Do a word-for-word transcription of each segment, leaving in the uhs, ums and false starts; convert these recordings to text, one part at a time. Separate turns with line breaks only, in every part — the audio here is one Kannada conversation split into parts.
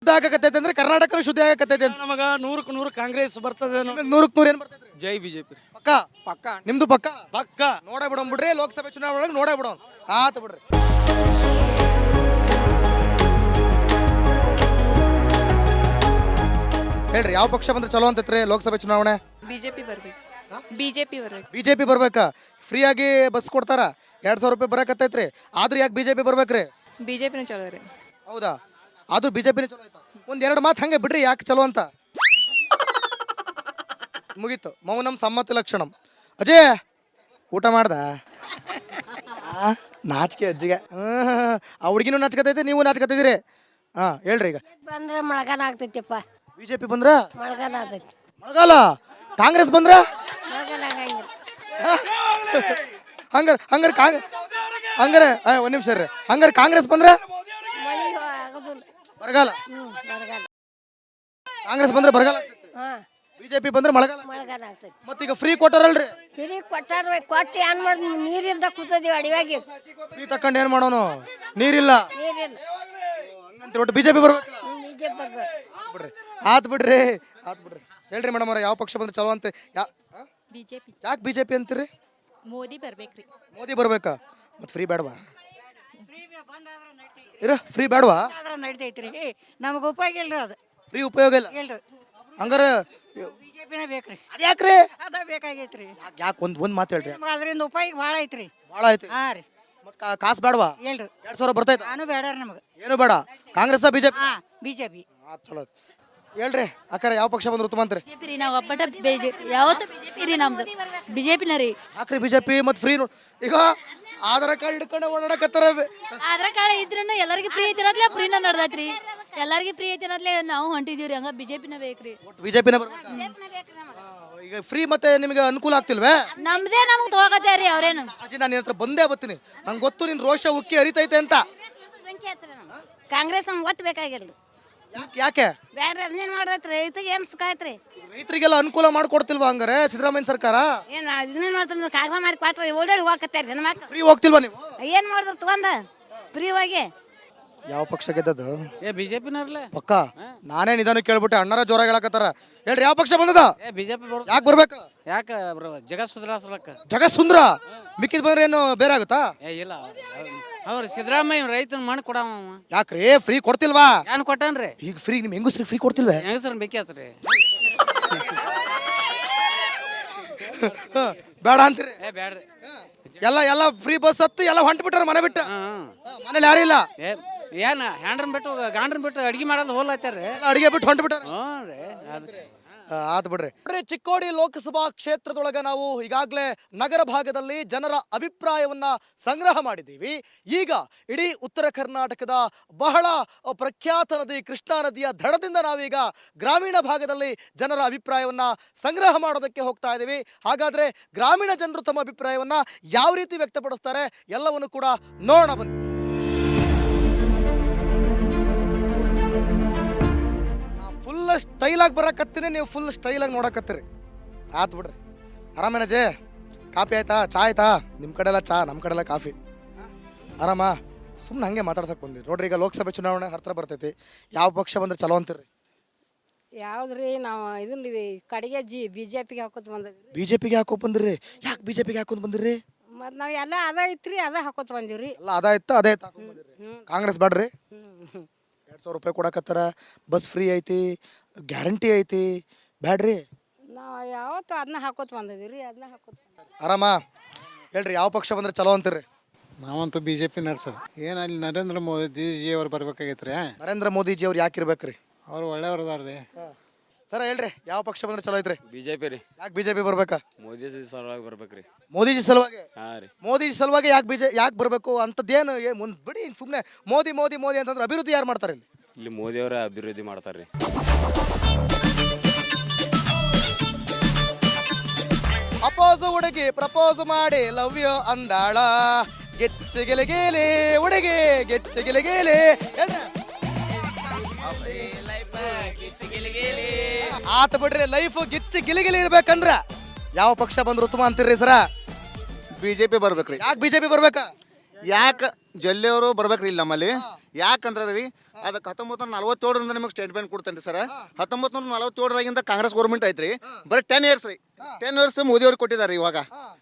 ಶುದ್ಧ ಆಗಕತ್ತೈತೆ ಅಂದ್ರೆ ಕರ್ನಾಟಕ ಶುದ್ಧ ಆಗಕತ್ತೈತೆ ಅಂತ
ನಮಗ ನೂರಕ್ಕೆ ನೂರು ಕಾಂಗ್ರೆಸ್ ಬರ್ತದೆ
ನೂರಕ್ಕೆ ನೂರು ಏನ್ ಬರ್ತೈತ್ರಿ
ಜೈ ಬಿಜೆಪಿ
ಪಕ್ಕ
ಪಕ್ಕ
ನಿಮ್ದು ಪಕ್ಕ
ಪಕ್ಕ
ನೋಡೇ ಬಿಡೋಣ ಬಿಡ್ರಿ ಲೋಕಸಭೆ ಚುನಾವಣೆ ಒಳಗೆ ನೋಡೇ ಬಿಡೋಣ ಆತ ಬಿಡ್ರಿ ಹೇಳ್ರಿ ಯಾವ ಪಕ್ಷ ಬಂದ್ರೆ ಚಲೋ ಅಂತೈತ್ರಿ ಲೋಕಸಭೆ ಚುನಾವಣೆ
ಬಿಜೆಪಿ ಬರ್ಬೇಕು ಬಿಜೆಪಿ ಬರ್ಬೇಕು
ಬಿಜೆಪಿ ಬರ್ಬೇಕಾ ಫ್ರೀ ಆಗಿ ಬಸ್ ಕೊಡ್ತಾರ ಎರಡ್ ಸಾವಿರ ರೂಪಾಯಿ ಬರಕತ್ತೈತ್ರಿ ಆದ್ರೂ ಯಾಕೆ ಬಿಜೆಪಿ ಬರ್ಬೇಕ್ರಿ
ಬಿಜೆಪಿನ ಚಲೋ ರೀ
ಹೌದಾ ಆದ್ರೂ ಬಿಜೆಪಿನೇ ಚಲೋ ಆಯ್ತಾ ಒಂದ್ ಎರಡು ಮಾತು ಹಂಗೆ ಬಿಡ್ರಿ ಯಾಕೆ ಚಲೋ ಅಂತ ಮುಗೀತು ಮೌನಂ ಸಮ್ಮತಿ ಲಕ್ಷಣಂ ಅಜಯ್ ಊಟ ಮಾಡ್ದ ಆ, ನಾಚಿಕೆ ಅಜ್ಜಿಗೆ ಹ್ಮ್ ಆ ಹುಡುಗಿನೂ ನಾಚ್ಕತೈತಿ ನೀವು ನಾಚ್ಕತಿದ್ದೀರಿ ಹಾ ಹೇಳ್ರಿ ಈಗ
ಬಂದ್ರೆ ಮಳೆಗಾಲ ಆಗ್ತೈತಿಪ್ಪ
ಬಿಜೆಪಿ ಬಂದ್ರ
ಮಳೆಗಾಲ ಆಗ್ತೈತಿ
ಮಳೆಗಾಲ ಕಾಂಗ್ರೆಸ್ ಬಂದ್ರ
ಮಳೆಗಾಲ ಆಗಂಗಿಲ್ಲ
ಹಂಗಾರ ಹಂಗಾರ ಕಾಂಗ್ ಹಂಗಾರ ಆ, ಒಂದ್ ನಿಮಿಷ ರೀ ಹಂಗಾರ ಕಾಂಗ್ರೆಸ್ ಬಂದ್ರ
ಮಳೆ ಆಗೋದಿಲ್ಲ
ಬರಗಾಲ
ಹ್ಞೂ ಮಳೆಗಾಲ
ಕಾಂಗ್ರೆಸ್ ಬಂದ್ರೆ ಬರಗಾಲ
ಹಾಂ
ಬಿಜೆಪಿ ಬಂದ್ರೆ ಮಳೆಗಾಲ
ಮಳೆಗಾಲ ಆಗ್ತೈತಿ
ಮತ್ತೀಗ ಫ್ರೀ ಕೊಟ್ಟಾರಲ್ರಿ
ಫ್ರೀ ಕೊಟ್ಟಾರ ಕೊಟ್ಟು ಏನು ಮಾಡಿ ನೀರಿಂದ ಕೂತದೀವಿ ಅಡಿವಾಗಿ
ಫ್ರೀ ತಕೊಂಡು ಏನ್ ಮಾಡೋನು ನೀರಿಲ್ಲ
ನೀರಿಲ್ಲ
ಹಂಗಂತ ಒಟ್ಟು ಬಿಜೆಪಿ ಬರ್ಬೇಕಲ್ಲ
ಬಿ ಜೆ ಪಿ ಬರ್ಬೇಕು
ಬಿಡ್ರಿ ಆತ್ ಬಿಡ್ರಿ ಆತ್ ಬಿಡ್ರಿ ಹೇಳ್ರಿ ಮೇಡಮ್ ಅವ್ರ ಯಾವ ಪಕ್ಷ ಬಂದ್ರೆ ಚಲೋ ಅಂತ ಯಾ
ಬಿಜೆಪಿ
ಯಾಕೆ ಬಿಜೆಪಿ ಅಂತೀರಿ
ಮೋದಿ ಬರ್ಬೇಕ್ರಿ
ಮೋದಿ ಬರ್ಬೇಕಾ ಮತ್ತೆ ಫ್ರೀ ಬೇಡವಾ ಇರ ಫ್ರೀ ಬೇಡವಾ
ನಡಿತೈತ್ರಿ ನಮಗೆ ಉಪಯೋಗ ಇಲ್ರಿ ಅದು
ಫ್ರೀ ಉಪಯೋಗ ಇಲ್ಲ
ಇಲ್ರಿ
ಹಂಗಾರ
ಬಿಜೆಪಿನ ಬೇಕ್ರಿ
ಅದ್ ಯಾಕ್ರಿ
ಅದ ಬೇಕಾಗೈತ್ರಿ
ಯಾಕೆ ಒಂದ್ ಒಂದ್ ಮಾತು ಹೇಳ್ರಿ
ನಮ್ಗೆ ಅದರಿಂದ ಉಪಯೋಗ ಭಾಳ ಐತ್ರಿ
ಭಾಳ ಐತಿ
ಹಾ ರೀ
ಮತ್ ಕಾಸು ಬೇಡವಾ
ಇಲ್ರಿ
ಎರಡ್ ಸಾವಿರ ಬರ್ತೈತ
ನಾನು ಬೇಡ ನಮಗೆ
ಏನು ಬೇಡ ಕಾಂಗ್ರೆಸ್ ಬಿಜೆಪಿ
ಹಾ ಬಿಜೆಪಿ
ಆತ್ ಚಲೋ ಆಯ್ತು. ಹೇಳ್ರಿ ಅಕ್ಕಾರ ಯಾವ ಪಕ್ಷ ಬಂದ್ರೆ ಉತ್ತಮ ಅಂತ್ರಿ
ಬಿಜೆಪಿ ರೀ ನಾವು ಒಬ್ಬಟ ಬಿಜೆಪಿ ಯಾವತ್ತು ಬಿಜೆಪಿ ರೀ ನಮ್ದು ಬಿಜೆಪಿನ ರೀ
ಯಾಕ್ರಿ ಬಿಜೆಪಿ ಮತ್ತೆ ಫ್ರೀ ಈಗ ಆಧಾರ್ ಕಾರ್ಡ್ ಹಿಡ್ಕೊಂಡು ಓಡಾಡಕತ್ತಾರ
ಆದ್ರ ಕಾಳ ಇದ್ರೂ ಎಲ್ಲರಿಗೂ ಫ್ರೀ ಐತಿ ಅನ್ನತ್ಲೆ ಫ್ರೀನ ನಡ್ದೈತ್ರಿ ಎಲ್ಲರಿಗೂ ಫ್ರೀ ಐತಿ ಅನ್ನತ್ಲೆ ನಾವು ಹೊಂಟಿದೀವ್ರಿ ಹಂಗ ಬಿಜೆಪಿನ ಬೇಕ್ರಿ
ಒಟ್ಟು ಬಿಜೆಪಿನ ಬರ್ಬೇಕಾ ಈಗ ಫ್ರೀ ಮತ್ತೆ ನಿಮಗೆ ಅನುಕೂಲ ಆಗ್ತಿಲ್ವೇ
ನಮ್ದೇ ನಮ್ಗೆ ತಗೋಕತ್ಯಾರಿ ಅವ್ರೇನು
ಅಜ್ಜಿ ನಾನು ನಿನ್ನ ಹತ್ರ ಬಂದೇ ಬರ್ತೀನಿ ನಂಗೆ ಗೊತ್ತು ನಿನ್ ರೋಷ ಉಕ್ಕಿ ಹರಿತೈತೆ ಅಂತ
ಕಾಂಗ್ರೆಸ್ ನಮ್ಗೆ ಒಟ್ಟು ಬೇಕಾಗಿಲ್ಲ
ಯಾಕೆ ಯಾಕೆ
ಬೇಡ್ರಿ ಅದನ್ನೇನು ಮಾಡ್ದೈತ್ರಿ ರೈತಗೆ ಏನು ಸುಖ ಐತ್ರಿ
ರೈತರಿಗೆಲ್ಲ ಅನುಕೂಲ ಮಾಡ್ಕೊಡ್ತಿಲ್ವಾ ಹಂಗಾರೆ ಸಿದ್ದರಾಮಯ್ಯ ಸರ್ಕಾರ
ಏನು ಇದನ್ನೇನು ಮಾಡ್ತಾರೆ ಕಾಗದ ಮಾಡಿ ಕೊಟ್ರೆ ಓಡಾಡಿ ಹೋಗತ್ತಾರ ನನ್ನ ಮಕ್ಳು
ಫ್ರೀ ಹೋಗ್ತಿಲ್ವಾ ನೀವು
ಏನು ಮಾಡಿದ್ರು ತಗೊಂಡ ಫ್ರೀ ಹೋಗಿ
ಯಾವ ಪಕ್ಷ ಗೆದ್ದದು
ಏ ಬಿಜೆಪಿನವ್ರಲ್ಲ
ಪಕ್ಕ ನಾನೇ ನಿಧಾನ ಕೇಳ್ಬಿಟ್ಟೆ ಅಣ್ಣರ ಜೋರ ಹೇಳಕತ್ತಾರ ಹೇಳ್ರಿ ಯಾವ ಪಕ್ಷ ಬಂದದ
ಏ ಬಿಜೆಪಿ ಬರ್
ಯಾಕೆ ಬರ್ಬೇಕು
ಯಾಕ ಬ್ರೋ ಜಗತ್ ಸುಧಾರಿಸ್ಲಕ್ಕ
ಜಗತ್ ಸುಂದ್ರ ಮಿಕ್ಕಿದ್ ಬಂದ್ರೆ ಏನು ಬೇರೆ ಆಗುತ್ತಾ
ಏ ಇಲ್ಲ ಅವ್ರು ಸಿದ್ದರಾಮಯ್ಯ ರೈತನ ಮಣ್ಣು ಕೊಡವ
ಯಾಕ್ರಿ ಫ್ರೀ ಕೊಡ್ತಿಲ್ವಾ
ಏನ್ ಕೊಟ್ಟನ್ರಿ
ಈಗ ಫ್ರೀ ನಿಮ್ ಹೆಂಗಸ್ರಿ ಫ್ರೀ ಕೊಡ್ತಿಲ್ವೇ
ಹೆಂಗಸ್ರನ್ ಬೇಕಿ
ಬೇಡ ಅಂತೀರಿ
ಏ ಬ್ಯಾಡ್ರಿ
ಎಲ್ಲ ಎಲ್ಲ ಫ್ರೀ ಬಸ್ ಹತ್ತು ಎಲ್ಲ ಹೊಂಟ್ ಬಿಟ್ಟಾರ ಮನೆ ಬಿಟ್ಟ
ಹ್ಮ್
ಮನೇಲಿ ಯಾರು ಇಲ್ಲ
ಏ ಏನ್ ಹ್ಯಾಂಡ್ರನ್ ಬಿಟ್ಟು ಗಾಂಡ್ರನ್ ಬಿಟ್ಟು ಅಡ್ಗೆ ಮಾಡೋದು ಹೋಲ್ತಾರ್ರಿ
ಎಲ್ಲ ಅಡಿಗೆ ಬಿಟ್ಟು ಹೊಂಟ್ ಬಿಟ್ಟಾರ
ಹ್ಞೂ ರೀ ಅದ್
ಆತ್ ಬಿಡ್ರಿ ನೋಡ್ರಿ, ಚಿಕ್ಕೋಡಿ ಲೋಕಸಭಾ ಕ್ಷೇತ್ರದೊಳಗ ನಾವು ಈಗಾಗಲೇ ನಗರ ಭಾಗದಲ್ಲಿ ಜನರ ಅಭಿಪ್ರಾಯವನ್ನ ಸಂಗ್ರಹ ಮಾಡಿದ್ದೀವಿ. ಈಗ ಇಡೀ ಉತ್ತರ ಕರ್ನಾಟಕದ ಬಹಳ ಪ್ರಖ್ಯಾತ ನದಿ ಕೃಷ್ಣಾ ನದಿಯ ದಡದಿಂದ ನಾವೀಗ ಗ್ರಾಮೀಣ ಭಾಗದಲ್ಲಿ ಜನರ ಅಭಿಪ್ರಾಯವನ್ನ ಸಂಗ್ರಹ ಮಾಡೋದಕ್ಕೆ ಹೋಗ್ತಾ ಇದ್ದೀವಿ. ಹಾಗಾದ್ರೆ ಗ್ರಾಮೀಣ ಜನರು ತಮ್ಮ ಅಭಿಪ್ರಾಯವನ್ನ ಯಾವ ರೀತಿ ವ್ಯಕ್ತಪಡಿಸ್ತಾರೆ ಎಲ್ಲವನ್ನು ಕೂಡ ನೋಡೋಣ ಬನ್ನಿ. ಫುಲ್ ಸ್ಟೈಲಾಗಿ ಬರಕತ್ತೀನಿ, ನೀವು ಫುಲ್ ಸ್ಟೈಲಾಗಿ ನೋಡಕತ್ತೀರಿ. ಆತ್ ಬಿಡ್ರಿ. ಆರಾಮೇನ ಜೇ? ಕಾಫಿ ಆಯ್ತಾ? ಚಾ ಆಯ್ತಾ? ನಿಮ್ಮ ಕಡೆ ಎಲ್ಲ ಚಾ, ನಮ್ಮ ಕಡೆ ಎಲ್ಲ ಕಾಫಿ. ಆರಾಮ? ಸುಮ್ಮನೆ ಹಂಗೆ ಮಾತಾಡ್ಸಕ್ಕೆ ಬಂದಿರಿ. ನೋಡ್ರಿ, ಈಗ ಲೋಕಸಭೆ ಚುನಾವಣೆ ಹತ್ರ ಬರ್ತೈತಿ. ಯಾವ ಪಕ್ಷ ಬಂದ್ರೆ ಚಲೋ ಅಂತೀರಿ?
ಯಾವ್ದ್ರಿ ನಾವು ಇದನ್ನ ಕಡೆಗೆ ಜಿ ಬಿ ಜೆ ಪಿಗೆ ಹಾಕೋತ ಬಂದಿದ್ರಿ.
ಬಿ ಜೆ ಪಿಗೆ ಹಾಕೋ ಬಂದಿರಿ? ಯಾಕೆ ಬಿ ಜೆ ಪಿಗೆ ಹಾಕೊಂಡ್ ಬಂದಿರಿ?
ಮತ್ತು ನಾವು ಎಲ್ಲ ಅದ ಐತ್ರಿ ಅದ ಹಾಕೋತ ಬಂದಿವ್ರಿ.
ಎಲ್ಲ ಅದ ಇತ್ತು ಅದೇ ಬಂದಿರಿ. ಕಾಂಗ್ರೆಸ್ ಬೇಡ್ರಿ? ಎರಡು ಸಾವಿರ ರೂಪಾಯಿ ಕೊಡಕತ್ತಾರ, ಬಸ್ ಫ್ರೀ ಐತಿ, ಗ್ಯಾರಂಟಿ ಐತಿ, ಬ್ಯಾಡ್ರಿ?
ನಾವು ಯಾವತ್ತು ಅದನ್ನ ಹಾಕೋತ ಬಂದಿದ್ದೀವಿ ಅದನ್ನ ಹಾಕೋತ.
ಆರಾಮ? ಹೇಳ್ರಿ, ಯಾವ ಪಕ್ಷ ಬಂದ್ರೆ ಚಲೋ ಅಂತೀರಿ?
ನಾವಂತೂ ಬಿ ಜೆ ಪಿ ನಡ್ಸೋದು. ಏನು ಅಲ್ಲಿ ನರೇಂದ್ರ ಮೋದಿ ಜಿ ಅವ್ರು ಬರ್ಬೇಕಾಗೈತ್ರಿ.
ನರೇಂದ್ರ ಮೋದಿಜಿ ಅವ್ರು ಯಾಕೆ ಇರ್ಬೇಕ್ರಿ?
ಅವ್ರು ಒಳ್ಳೆಯವ್ರು ಅದಾರ ರೀ.
ಸರ ಹೇಳ್ರಿ, ಯಾವ ಪಕ್ಷ ಬಂದ್ರೆ ಚಲೋ ಐತ್ರಿ?
ಬಿಜೆಪಿ ರೀ.
ಯಾಕೆ ಬಿಜೆಪಿ ಬರ್ಬೇಕಾ?
ಮೋದಿ ಸಲುವಾಗಿ ಬರ್ಬೇಕ್ರಿ.
ಮೋದಿಜಿ ಸಲುವಾಗಿ?
ಹಾ ರೀ.
ಮೋದಿಜಿ ಸಲುವಾಗಿ ಯಾಕೆ ಬಿಜೆ ಯಾಕೆ ಬರಬೇಕು ಅಂತದ್ದೇನು ಮುಂದೆ ಬಿಡಿ, ಸುಮ್ಮನೆ ಮೋದಿ ಮೋದಿ ಮೋದಿ ಅಂತಂದ್ರೆ ಅಭಿವೃದ್ಧಿ ಯಾರು ಮಾಡ್ತಾರೆ ಇಲ್ಲಿ?
ಇಲ್ಲಿ ಮೋದಿ ಅವರ ಅಭಿವೃದ್ಧಿ ಮಾಡ್ತಾರ್ರಿ.
ಅಪೋಸ್ ಹುಡುಗಿ ಪ್ರಪೋಸ್ ಮಾಡಿ ಲವ್ ಯು ಅಂದಾಳ, ಗೆಚ್ಚ ಗೆಲಗೇಲೆ ಹುಡುಗಿ ಗೆಚ್ಚ ಗೆಲಗೇಲೆ. ಆತ ಬಿಡ್ರಿ, ಲೈಫ್ ಗಿಚ್ಚ ಗಿಲಿಗಿಲಿ ಇರ್ಬೇಕಂದ್ರ ಯಾವ ಪಕ್ಷ ಬಂದ್ರು ಉತ್ತಮ ಅಂತೀರಿ ಸರ?
ಬಿಜೆಪಿ ಬರ್ಬೇಕ್ರಿ.
ಯಾಕೆ ಬಿಜೆಪಿ ಬರ್ಬೇಕಾ?
ಯಾಕೆ ಜಲ್ಲಿಯವರು ಬರ್ಬೇಕ್ರಿ ಇಲ್ಲಿ ನಮ್ಮಲ್ಲಿ? ಯಾಕಂದ್ರೆ ರೀ ಅದಕ್ಕೆ ಹತ್ತೊಂಬತ್ತು ನೂರ ನಲವತ್ತೇಳರಿಂದ ನಿಮಗೆ ಸ್ಟೇಟ್ಮೆಂಟ್ ಕೊಡ್ತೇನೆ ಸರ್. ಹತ್ತೊಂಬತ್ತು ನೂರ ನಲವತ್ತೇಳರಾಗಿಂದ ಕಾಂಗ್ರೆಸ್ ಗೌರ್ಮೆಂಟ್ ಐತ್ರಿ, ಬರೀ ಟೆನ್ ಇಯರ್ಸ್ ರೀ. ಟೆನ್ ಇಯರ್ಸ್ ಮೋದಿ ಅವ್ರಿಗೆ ಕೊಟ್ಟಿದ್ದಾರೆ. ಇವಾಗ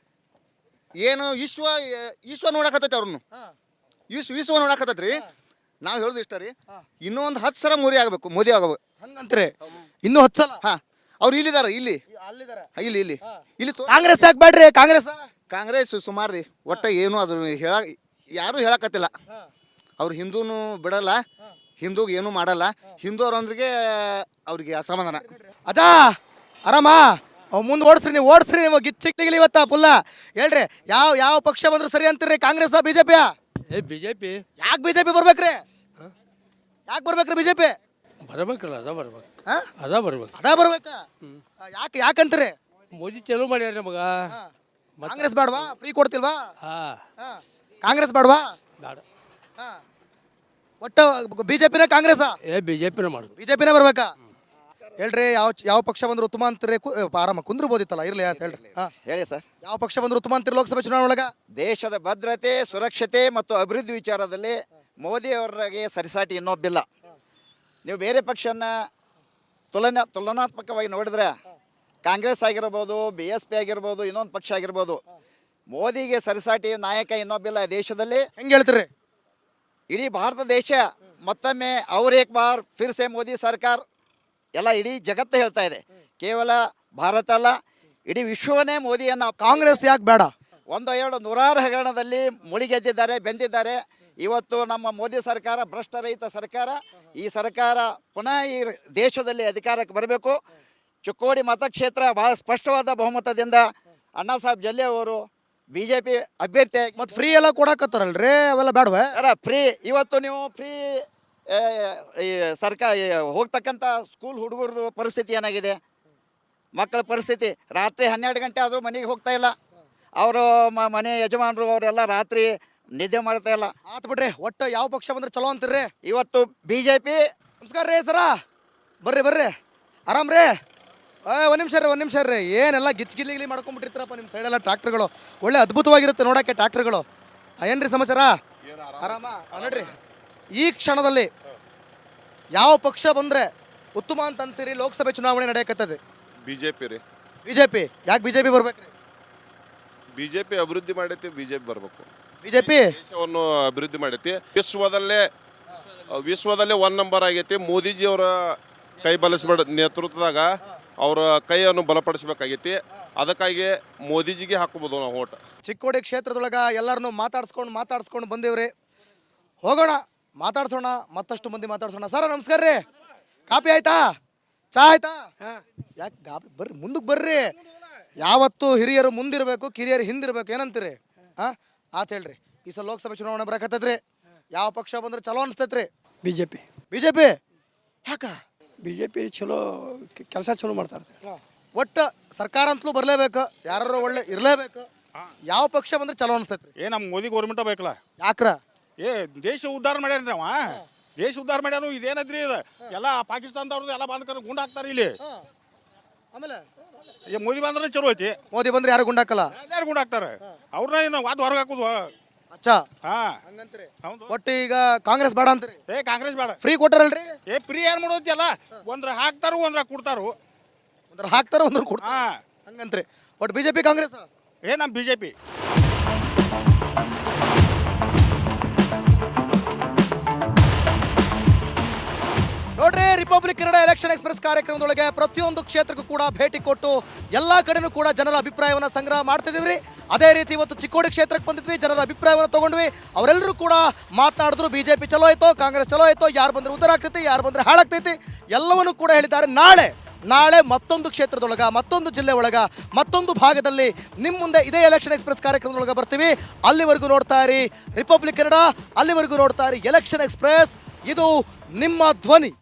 ಏನು ವಿಶ್ವ ವಿಶ್ವ ನೋಡಕತ್ತೈತಿ ಅವ್ರನ್ನು, ವಿಶ್ವ ವಿಶ್ವ ನೋಡಕತ್ತೈತ್ರಿ. ನಾವು ಹೇಳುದು ಇಷ್ಟ ರೀ, ಇನ್ನೂ ಒಂದು ಹತ್ತು ಸಲ ಮೋದಿ ಆಗಬೇಕು, ಮೋದಿ ಆಗಬೇಕು
ಹಂಗಂತ್ರಿ ಇನ್ನೂ ಹತ್ತು ಸಲ.
ಹಾ, ಅವ್ರು ಇಲ್ಲಿದ್ದಾರೆ, ಇಲ್ಲಿ
ಅಲ್ಲಿದ್ದಾರೆ
ಇಲ್ಲಿ ಇಲ್ಲಿ ಇಲ್ಲಿ ತೋ-
ಕಾಂಗ್ರೆಸ್ ಯಾಕೆ ಬೇಡ್ರಿ? ಕಾಂಗ್ರೆಸ್
ಕಾಂಗ್ರೆಸ್ ಸುಮಾರು ರೀ, ಒಟ್ಟ ಏನು ಅದು ಹೇಳ ಯಾರು ಹೇಳಕತ್ತಿಲ್ಲ. ಅವ್ರು ಹಿಂದೂನು ಬಿಡಲ್ಲ, ಹಿಂದೂಗೆ ಏನು ಮಾಡಲ್ಲ, ಹಿಂದೂ ಅವ್ರೊಂದಿಗೆ ಅವ್ರಿಗೆ ಅಸಮಾಧಾನ.
ಅಜಾ ಆರಾಮ ಮುಂದೆ ಓಡಿಸ್ರಿ, ನೀವು ಓಡಿಸ್ರಿ, ನೀವು ಗಿಚ್ಚಿಗ್ಲಿ ಇವತ್ತ ಫುಲ್ಲ ಹೇಳ್ರಿ. ಯಾವ ಯಾವ ಪಕ್ಷ ಬಂದ್ರೆ ಸರಿ ಅಂತೀರಿ? ಕಾಂಗ್ರೆಸ್ ಬಿಜೆಪಿಯ?
ಏ ಬಿ ಜೆ ಪಿ
ಯಾಕೆ ಬಿಜೆಪಿ ಬರ್ಬೇಕ್ರಿ? ಯಾಕೆ ಬರ್ಬೇಕ್ರಿ ಬಿಜೆಪಿ?
ಬರ್ಬೇಕಲ್ಲ, ಅದ ಬರ್ಬೇಕು,
ಹಾ
ಅದ ಬರ್ಬೇಕು.
ಅದ ಬರ್ಬೇಕ. ಯಾಕೆ ಯಾಕಂತೀರಿ?
ಮೋದಿ ಚಲೋ ಮಾಡ್ಯಾರ ನಮಗ.
ಕಾಂಗ್ರೆಸ್ ಬೇಡವಾ? ಫ್ರೀ ಕೊಡ್ತಿಲ್ವಾ?
ಹಾ,
ಹಾ. ಕಾಂಗ್ರೆಸ್ ಬೇಡವಾ?
ಬೇಡ.
ಹಾ. ಒಟ್ಟು ಬಿಜೆಪಿನ ಕಾಂಗ್ರೆಸ್?
ಏ ಬಿ ಜೆ ಪಿನ ಮಾಡುದು.
ಬಿಜೆಪಿನೇ ಬರ್ಬೇಕಾ? ಹೇಳ್ರಿ, ಯಾವ ಯಾವ ಪಕ್ಷ ಬಂದ್ರೆ ಉತ್ತಮ ಅಂತೀರಿ? ಕು- ಆರಾಮ ಕುಂದ್ರಬೋದಿತ್ತಲ್ಲ, ಇರ್ಲಿ ಅಂತ ಹೇಳ್ರಿ. ಹಾ.
ಹೇಳಿ ಸರ್.
ಯಾವ ಪಕ್ಷ ಬಂದ್ರೆ ಉತ್ತಮ ಅಂತೀರಿ ಲೋಕಸಭೆ ಚುನಾವಣೆ ಒಳಗ?
ದೇಶದ ಭದ್ರತೆ, ಸುರಕ್ಷತೆ ಮತ್ತು ಅಭಿವೃದ್ಧಿ ವಿಚಾರದಲ್ಲಿ ಮೋದಿ ಅವರಿಗೆ ಸರಿಸಾಟಿ ಇನ್ನೊಬ್ಬಿಲ್ಲ. ನೀವು ಬೇರೆ ಪಕ್ಷನ ತುಲನಾ ತುಲನಾತ್ಮಕವಾಗಿ ನೋಡಿದ್ರೆ ಕಾಂಗ್ರೆಸ್ ಆಗಿರ್ಬೋದು, ಬಿ ಎಸ್ ಪಿ ಆಗಿರ್ಬೋದು, ಇನ್ನೊಂದು ಪಕ್ಷ ಆಗಿರ್ಬೋದು, ಮೋದಿಗೆ ಸರಿಸಾಟಿ ನಾಯಕ ಇನ್ನೊಬ್ಬಿಲ್ಲ ದೇಶದಲ್ಲಿ.
ಹೆಂಗೆ ಹೇಳ್ತೀರಿ?
ಇಡೀ ಭಾರತ ದೇಶ ಮತ್ತೊಮ್ಮೆ ಅವ್ರ ಏಕ್ ಬಾರ್ ಫಿರ್ ಸೆ ಮೋದಿ ಸರ್ಕಾರ ಎಲ್ಲ ಇಡೀ ಜಗತ್ತು ಹೇಳ್ತಾ ಇದೆ. ಕೇವಲ ಭಾರತ ಅಲ್ಲ, ಇಡೀ ವಿಶ್ವವನ್ನೇ ಮೋದಿಯನ್ನು.
ಕಾಂಗ್ರೆಸ್ ಯಾಕೆ ಬೇಡ?
ಒಂದು ಎರಡು ನೂರಾರು ಹಗರಣದಲ್ಲಿ ಮುಳುಗೆದ್ದಿದ್ದಾರೆ, ಬೆಂದಿದ್ದಾರೆ. ಇವತ್ತು ನಮ್ಮ ಮೋದಿ ಸರ್ಕಾರ ಭ್ರಷ್ಟರಹಿತ ಸರ್ಕಾರ. ಈ ಸರ್ಕಾರ ಪುನಃ ಈ ದೇಶದಲ್ಲಿ ಅಧಿಕಾರಕ್ಕೆ ಬರಬೇಕು. ಚಿಕ್ಕೋಡಿ ಮತಕ್ಷೇತ್ರ ಬಹಳ ಸ್ಪಷ್ಟವಾದ ಬಹುಮತದಿಂದ ಅಣ್ಣಾ ಸಾಹೇಬ್ ಜಲ್ಲೆ ಅವರು ಬಿ ಜೆ ಪಿ ಅಭ್ಯರ್ಥಿ.
ಮತ್ತೆ ಫ್ರೀ ಎಲ್ಲ ಕೊಡಕತ್ತಾರಲ್ರಿ, ಅವೆಲ್ಲ ಬೇಡವೆ?
ಅಲ್ಲ, ಫ್ರೀ ಇವತ್ತು ನೀವು ಫ್ರೀ ಈ ಸರ್ಕಾರ ಹೋಗ್ತಕ್ಕಂಥ ಸ್ಕೂಲ್ ಹುಡುಗರದು ಪರಿಸ್ಥಿತಿ ಏನಾಗಿದೆ? ಮಕ್ಕಳ ಪರಿಸ್ಥಿತಿ ರಾತ್ರಿ ಹನ್ನೆರಡು ಗಂಟೆ ಆದರೂ ಮನೆಗೆ ಹೋಗ್ತಾ ಇಲ್ಲ. ಅವರು ಮನೆ ಯಜಮಾನರು ಅವರೆಲ್ಲ ರಾತ್ರಿ ನಿದ್ದೆ ಮಾಡ್ತಾ ಇಲ್ಲ.
ಆತ್ ಬಿಡ್ರಿ, ಒಟ್ಟು ಯಾವ ಪಕ್ಷ ಬಂದ್ರೆ ಚಲೋ ಅಂತೀರಿ?
ಇವತ್ತು ಬಿ ಜೆ ಪಿ.
ನಮಸ್ಕಾರ ರೀ ಸರ, ಬರ್ರಿ ಬರ್ರಿ, ಆರಾಮ್ ರೀ? ಒಂದು ನಿಮಿಷ ರೀ, ಒಂದು ನಿಮಿಷ ರೀ. ಏನೆಲ್ಲ ಗಿಚ್ ಗಿಲಿಗಿಲಿ ಮಾಡ್ಕೊಂಡ್ಬಿಟ್ಟಿರ್ತಾರಪ್ಪ ನಿಮ್ಮ ಸೈಡೆಲ್ಲ. ಟ್ರ್ಯಾಕ್ಟರ್ಗಳು ಒಳ್ಳೆ ಅದ್ಭುತವಾಗಿರುತ್ತೆ ನೋಡೋಕ್ಕೆ ಟ್ರ್ಯಾಕ್ಟರ್ಗಳು. ಏನ್ರಿ ಸಮಾಚಾರ? ಆರಾಮ? ನೋಡ್ರಿ, ಈ ಕ್ಷಣದಲ್ಲಿ ಯಾವ ಪಕ್ಷ ಬಂದ್ರೆ ಉತ್ತಮ ಅಂತ ಅಂತೀರಿ? ಲೋಕಸಭೆ ಚುನಾವಣೆ ನಡೆಯಕತ್ತದೆ.
ಬಿಜೆಪಿ ರೀ.
ಬಿಜೆಪಿ ಯಾಕೆ ಬಿಜೆಪಿ ಬರ್ಬೇಕ್ರಿ?
ಬಿಜೆಪಿ ಅಭಿವೃದ್ಧಿ ಮಾಡೈತಿ, ಬಿಜೆಪಿ ಬರ್ಬೇಕು.
ಬಿಜೆಪಿ
ದೇಶವನ್ನು ಅಭಿವೃದ್ಧಿ ಮಾಡೈತಿ. ವಿಶ್ವದಲ್ಲೇ ವಿಶ್ವದಲ್ಲೇ ಒನ್ ನಂಬರ್ ಆಗೈತಿ. ಮೋದಿಜಿ ಅವರ ಕೈ ಬಲಿಸ್ಬೇಡ ನೇತೃತ್ವದಾಗ ಅವರ ಕೈಯನ್ನು ಬಲಪಡಿಸಬೇಕಾಗೈತಿ. ಅದಕ್ಕಾಗಿ ಮೋದಿಜಿಗೆ ಹಾಕೋಬೋದು ನಾವು ಓಟ್.
ಚಿಕ್ಕೋಡಿ ಕ್ಷೇತ್ರದೊಳಗ ಎಲ್ಲರನ್ನೂ ಮಾತಾಡ್ಸ್ಕೊಂಡು ಮಾತಾಡ್ಸ್ಕೊಂಡು ಬಂದೇವ್ರಿ. ಹೋಗೋಣ, ಮಾತಾಡ್ಸೋಣ, ಮತ್ತಷ್ಟು ಮಂದಿ ಮಾತಾಡ್ಸೋಣ. ಸರ್ ನಮಸ್ಕಾರ ರೀ, ಕಾಪಿ ಆಯ್ತಾ? ಚಾ ಆಯ್ತಾ? ಯಾಕೆ ಗಾಬರಿ? ಬರ್ರಿ ಮುಂದಕ್ಕೆ ಬರ್ರಿ. ಯಾವತ್ತು ಹಿರಿಯರು ಮುಂದಿರಬೇಕು, ಕಿರಿಯರು ಹಿಂದಿರ್ಬೇಕು, ಏನಂತೀರಿ? ಹಾಂ ಆತ ಹೇಳ್ರಿ. ಈ ಸಲ ಲೋಕಸಭೆ ಚುನಾವಣೆ ಬರಕತ್ತೈತ್ರಿ, ಯಾವ ಪಕ್ಷ ಬಂದ್ರೆ ಚಲೋ ಅನಿಸ್ತೈತ್ರಿ?
B J P.
B J P ಯಾಕ?
ಬಿ ಜೆ ಪಿ ಚಲೋ ಕೆಲಸ ಚಲೋ ಮಾಡ್ತಾರೆ.
ಒಟ್ಟು ಸರ್ಕಾರ ಅಂತಲೂ ಬರಲೇಬೇಕು, ಯಾರು ಒಳ್ಳೆ ಇರಲೇಬೇಕು. ಯಾವ ಪಕ್ಷ ಬಂದ್ರೆ ಚಲೋ ಅನಿಸ್ತೈತ್ರಿ?
ಏ ನಮ್ಮ ಮೋದಿ ಗೌರ್ಮೆಂಟ ಬೇಕಲ್ಲ.
ಯಾಕ್ರ?
ಏ ದೇಶ ಉದ್ಧಾರ ಮಾಡ್ಯಾರ ಅವ, ದೇಶ ಉದ್ಧಾರ ಮಾಡ್ಯಾರು. ಇದೇನದ್ರಿ ಇದು? ಎಲ್ಲ ಪಾಕಿಸ್ತಾನದವ್ರದ್ದು ಎಲ್ಲ ಬಂದ್ಕರ ಗುಂಡು ಹಾಕ್ತಾರೆ ಇಲ್ಲಿ.
ಆಮೇಲೆ
ಏ ಮೋದಿ ಬಂದ್ರೆ ಚಲೋ ಐತಿ.
ಮೋದಿ ಬಂದ್ರೆ ಯಾರು ಗುಂಡಾಕಲ್ಲ?
ಯಾರು ಗುಂಡು ಹಾಕ್ತಾರೆ? ಅವ್ರನ್ನ ಏನು ವಾದ ಹೊರಗೆ ಹಾಕುದು.
ಅಚ್ಚಾ,
ಹಾ,
ಹೌದು. ಒಟ್ಟು ಈಗ ಕಾಂಗ್ರೆಸ್ ಬೇಡ ಅಂತೀರಿ?
ಏ ಕಾಂಗ್ರೆಸ್ ಬೇಡ.
ಫ್ರೀ ಕೊಟ್ಟಾರಲ್ರಿ?
ಏ ಫ್ರೀ ಏನ್ ಮಾಡೋತಿ ಅಲ್ಲ, ಒಂದ್ರ ಹಾಕ್ತಾರು ಒಂದ್ರ ಕೊಡ್ತಾರು.
ಒಂದ್ರ ಹಾಕ್ತಾರ ಒಂದ್ರ ಕೊಡ್ತಾರ,
ಹಾ
ಹಂಗಂತ್ರಿ. ಒಟ್ಟು ಬಿಜೆಪಿ ಕಾಂಗ್ರೆಸ್?
ಏ ನಮ್ಮ ಬಿಜೆಪಿ.
ನೋಡ್ರಿ, ರಿಪಬ್ಲಿಕ್ ಕನ್ನಡ ಎಲೆಕ್ಷನ್ ಎಕ್ಸ್ಪ್ರೆಸ್ ಕಾರ್ಯಕ್ರಮದೊಳಗೆ ಪ್ರತಿಯೊಂದು ಕ್ಷೇತ್ರಕ್ಕೂ ಕೂಡ ಭೇಟಿ ಕೊಟ್ಟು ಎಲ್ಲ ಕಡೆನೂ ಕೂಡ ಜನರ ಅಭಿಪ್ರಾಯವನ್ನು ಸಂಗ್ರಹ ಮಾಡ್ತಿದ್ದೀವಿ. ಅದೇ ರೀತಿ ಇವತ್ತು ಚಿಕ್ಕೋಡಿ ಕ್ಷೇತ್ರಕ್ಕೆ ಬಂದಿದ್ವಿ, ಜನರ ಅಭಿಪ್ರಾಯವನ್ನು ತಗೊಂಡ್ವಿ. ಅವರೆಲ್ಲರೂ ಕೂಡ ಮಾತನಾಡಿದ್ರು. ಬಿಜೆಪಿ ಚಲೋ ಆಯ್ತೋ, ಕಾಂಗ್ರೆಸ್ ಚಲೋ ಆಯ್ತೋ, ಯಾರು ಬಂದ್ರೆ ಉದ್ದಾರ ಆಗ್ತೈತಿ, ಯಾರು ಬಂದ್ರೆ ಹಾಳಾಗ್ತೈತಿ, ಎಲ್ಲವನ್ನೂ ಕೂಡ ಹೇಳಿದ್ದಾರೆ. ನಾಳೆ ನಾಳೆ ಮತ್ತೊಂದು ಕ್ಷೇತ್ರದೊಳಗ, ಮತ್ತೊಂದು ಜಿಲ್ಲೆ ಒಳಗ, ಮತ್ತೊಂದು ಭಾಗದಲ್ಲಿ ನಿಮ್ಮ ಮುಂದೆ ಇದೇ ಎಲೆಕ್ಷನ್ ಎಕ್ಸ್ಪ್ರೆಸ್ ಕಾರ್ಯಕ್ರಮದೊಳಗೆ ಬರ್ತೀವಿ. ಅಲ್ಲಿವರೆಗೂ ನೋಡ್ತಾ ಇರಿ ರಿಪಬ್ಲಿಕ್ ಕನ್ನಡ, ಅಲ್ಲಿವರೆಗೂ ನೋಡ್ತಾ ಇರಿ ಎಲೆಕ್ಷನ್ ಎಕ್ಸ್ಪ್ರೆಸ್. ಇದು ನಿಮ್ಮ ಧ್ವನಿ.